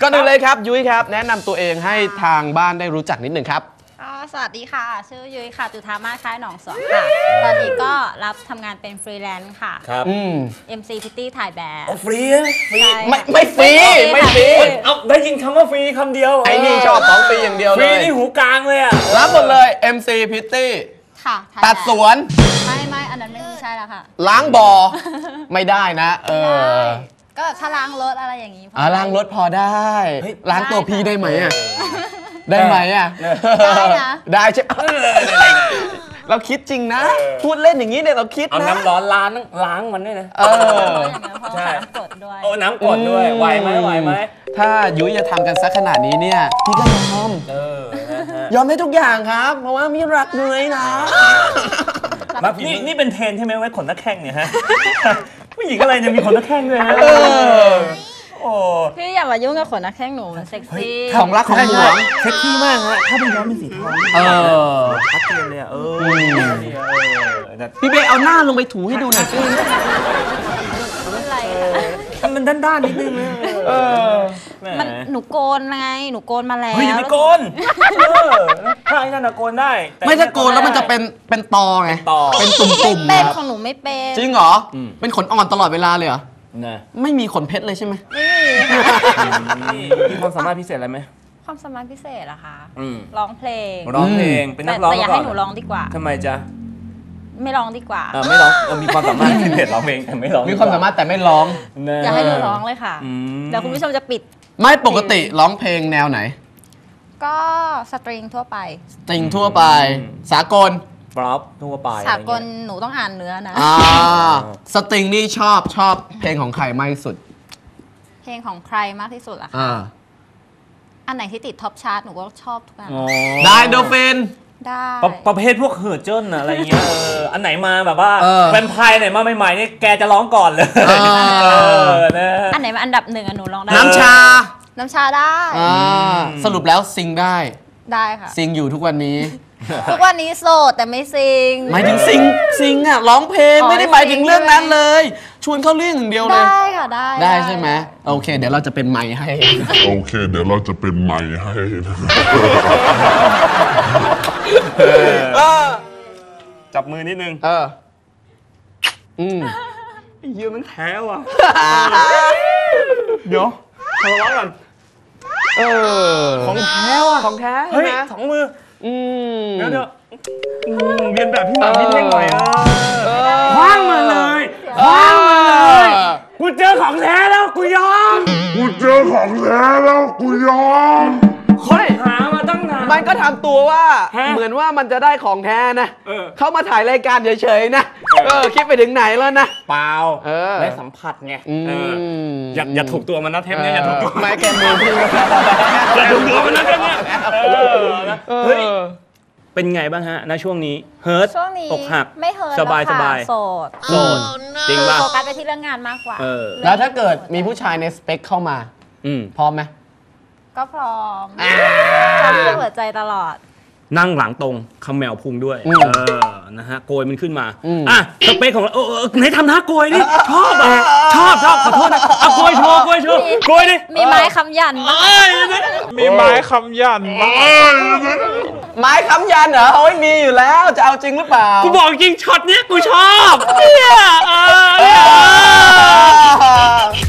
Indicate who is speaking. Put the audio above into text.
Speaker 1: ก่อนอื่นเลยครับยุ้ยครับแนะนำตัวเองให้ทางบ้านได้รู้จักนิดหนึ่งครับ
Speaker 2: สวัสดีค่ะชื่อยุ้ยค่ะจุธามาศคล้ายหนองสวนค่ะตอนนี้ก็รับทำงานเป็นฟรีแลนซ์ค่ะ
Speaker 3: ครับ
Speaker 2: MC Pitty ถ่ายแบบ
Speaker 3: ฟรี
Speaker 1: ไม่ฟรีไม่ฟรี
Speaker 3: เอาได้ยินคำว่าฟรีคำเดียว
Speaker 1: ไอ้นี่ชอบของฟรีอย่างเดียวเลย
Speaker 3: ฟรีนี่หูกลางเลยอ่ะ
Speaker 1: รับหมดเลย MC Pitty
Speaker 2: ค่ะ
Speaker 1: ตัดสวน
Speaker 2: ไม่อันนั้นไม่ใช่แล้วค่ะ
Speaker 1: ล้างบ่อไม่ได้นะ
Speaker 2: ก็ถ้าล้างรถอะไรอย่างนี้
Speaker 1: ล้างรถพอได้ล้างตัวพี่ได้ไหมอ่ะได้ไหมอ่ะ
Speaker 2: ได้นะ
Speaker 1: ได้ใช่เราคิดจริงนะพูดเล่นอย่างนี้เนี่ยเราคิดนะ
Speaker 3: เอาน้ำร้อนล้างมันด้วยนะ
Speaker 2: ใช่น้ำกดด้วย
Speaker 3: โอ้น้ำกดด้วยไหวไหม
Speaker 1: ถ้ายุ้ยจะทำกันสักขนาดนี้เนี่ยพี่ก็ยอมได้ทุกอย่างครับเพราะว่ามีรักนุ้ยนะ
Speaker 3: นี่เป็นเทรนใช่ไหมไว้ขนนักแข้งเนี่ยฮะผู้หญิงอะไรเนี่ยมีขนนักแข้งด้วยฮะ
Speaker 2: พี่อย่ามายุ่งกับขนนักแข้งหนูมันเซ็กซี่
Speaker 1: ของรักของหวง
Speaker 3: เซ็กซี่มากฮะถ้าเป็นย้อมเป็นสีทองชัดเจนเลย
Speaker 1: พี่เบย์เอาหน้าลงไปถูให้ดูหน่อยสิ
Speaker 3: มันด้านนิดนึงนะ
Speaker 2: มันหนูโกนไงหนูโกนมาแล้ว
Speaker 3: เฮ้ยไม่โกนถ้าไอ้นั่นโกนได้
Speaker 1: ไม่ถ้าโกนแล้วมันจะเป็นตอไงเป็นตุ่มๆ
Speaker 2: เป็นของหนูไม่เป็น
Speaker 1: จริงเหรอเป็นขนอ่อนตลอดเวลาเลยเหรอไม่มีขนเพชรเลยใช่ไหม
Speaker 3: มีความสามารถพิเศษอะไรไหม
Speaker 2: ความสามารถพิเศษเหรอคะร้องเพลง
Speaker 3: เป็นนักร้อง
Speaker 2: แต่อยากให้หนูร้องดีกว่า
Speaker 3: ทำไมจ๊ะ
Speaker 2: ไม่ร้องดีกว่า
Speaker 3: ไม่ร้องมีความสามารถพิเศษร้องเพลงแต่ไม่ร้อง
Speaker 1: มีความสามารถแต่ไม่ร้อง
Speaker 2: อยากให้หนูร้องเลยค่ะเดี๋ยวคุณผู้ชมจะปิด
Speaker 1: ไม่ปกติร้องเพลงแนวไหน
Speaker 2: ก็สตริงทั่วไป
Speaker 1: สตริงทั่วไปสากล
Speaker 3: ป๊อปทั่วไป
Speaker 2: สากลหนูต้องอ่านเนื้อนะ
Speaker 1: สตริงนี่ชอบเพลงของใครมากที่สุด
Speaker 2: เพลงของใครมากที่สุดล่ะคะอันไหนที่ติดท็อปชาร์ตหนูก็ชอบทุกอัน
Speaker 1: ได้โดฟิน
Speaker 2: ได้
Speaker 3: ประเภทพวกเฮอร์เจิ้นอะไรเงี้ยอันไหนมาแบบว่าแวมไพร์ไหนมาใหม่ๆนี่แกจะร้องก่อนเลย
Speaker 2: อันไหนมาอันดับหนึ่งหนูร้องได้
Speaker 1: น้ำชา
Speaker 2: ได้
Speaker 1: สรุปแล้วซิงได้
Speaker 2: ค่ะ
Speaker 1: ซิงอยู่ทุกวันนี้
Speaker 2: ทุกวันนี้โสดแต่ไม่ซิง
Speaker 1: หมายถึงซิงอ่ะร้องเพลงไม่ได้หมายถึงเรื่องนั้นเลยชวนเข้าเรื่องอย่างเดียวเลย
Speaker 2: ได้ค่ะ
Speaker 1: ได้ใช่ไหมโอเคเดี๋ยวเราจะเป็นไมค์ให้
Speaker 3: จับมือนิดนึงเยี่ยมมันแท้ว่ะเดี๋ยวทำร้องก่อน
Speaker 1: ของแท้ว่ะของแท้
Speaker 3: เฮ้ยสองมือเดี๋ยวเรียนแบบพี่หมาพี่เท่งหน่อยคว้างมาเลยกูเจอของแท้แล้วกูยอมค้นหามาตั้งนาน
Speaker 1: มันก็ทำตัวว่าเหมือนว่ามันจะได้ของแท้นะเขามาถ่ายรายการเฉยๆนะคิดไปถึงไหนแล้วนะ
Speaker 3: เปล่าได้สัมผัสไงอย่าถูกตัวมันนะเทปนี้อย่าถูกตัว
Speaker 1: ไม่แกมือพี่
Speaker 3: อย่าถูกตัวมันนะเทปนี้เฮ้ยเป็นไงบ้างฮะณช่วงนี้เฮิร์ตอกหัก
Speaker 2: ไม่เฮิร์ต
Speaker 3: สบายโสดจริงป่ะ
Speaker 2: โฟกัสไปที่เรื่องงานมากกว่า
Speaker 1: แล้วถ้าเกิดมีผู้ชายในสเปคเข้ามาพร้อมไหม
Speaker 2: ก็พร้อมเปิดใจตลอด
Speaker 3: นั่งหลังตรงคำแมวพุงด้วยนะฮะโกยมันขึ้นมาสเปคของเราไหนทำท่าโกยดิชอบขอโทษนะโกยโชว์โกยดิ
Speaker 2: มีไม้คำยัน
Speaker 3: มีไม้คำยัน
Speaker 1: ไม้ค้ำยันเหรอเฮ้ยมีอยู่แล้วจะเอาจริงหรือเปล่า
Speaker 3: กูบอกจริงช็อตเนี้ยกูชอบเนี่ย